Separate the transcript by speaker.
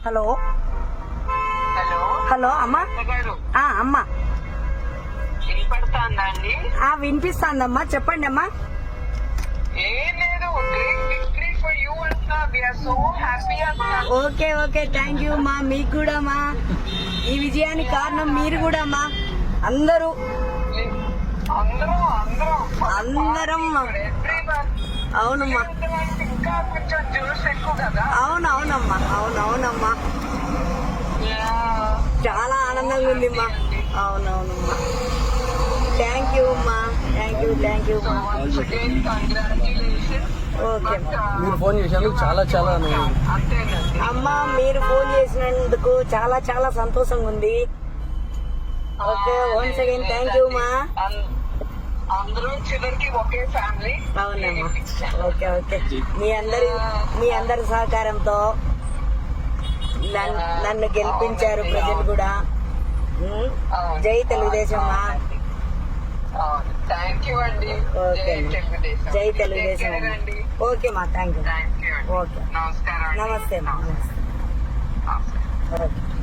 Speaker 1: Hello
Speaker 2: hello
Speaker 1: hello అమ్మా.
Speaker 2: గారు
Speaker 1: అమ్మా
Speaker 2: వినపడుతుందా అండి?
Speaker 1: వినిపిస్తాందమ్మా, చెప్పండి అమ్మా.
Speaker 2: ఏం లేదు, గ్రేట్ విక్టరీ ఫర్ యూ అంటున్నా. వీఆర్ సో హ్యాపీ అంటున్నా.
Speaker 1: ఓకే ఓకే, థ్యాంక్ యూ మా. మీకు కూడా మా, ఈ విజయానికి కారణం మీరు కూడా మా. అందరూ అందరం అవునమ్మా,
Speaker 2: ఇంకా కొంచెం జ్యూస్ ఎక్కువ కదా.
Speaker 1: అవునవునమ్మా, అవునవునమ్మా, చాలా ఆనందంగా ఉంది మా. అవునవునమ్మా, థ్యాంక్ యూ అమ్మా, థ్యాంక్ యూ మా. ఓకే
Speaker 3: మీరు ఫోన్ చేసినందుకు చాలా చాలా
Speaker 1: అమ్మా, మీరు ఫోన్ చేసినందుకు చాలా చాలా సంతోషంగా ఉంది. Okay, once again thank you మా.
Speaker 2: అందరూ చివరికి ఒకే ఫ్యామిలీ.
Speaker 1: అవునమ్మా, ఓకే ఓకే. మీ అందరి సహకారంతో నన్ను గెలిపించారు ప్రజలు కూడా. జై తెలుగుదేశం మా.
Speaker 2: థ్యాంక్ యూ అండి.
Speaker 1: ఓకే, జై తెలుగుదేశం. ఓకే మా, థ్యాంక్ యూ. ఓకే,
Speaker 2: నమస్కారం.
Speaker 1: నమస్తే మా, నమస్తే. ఓకే.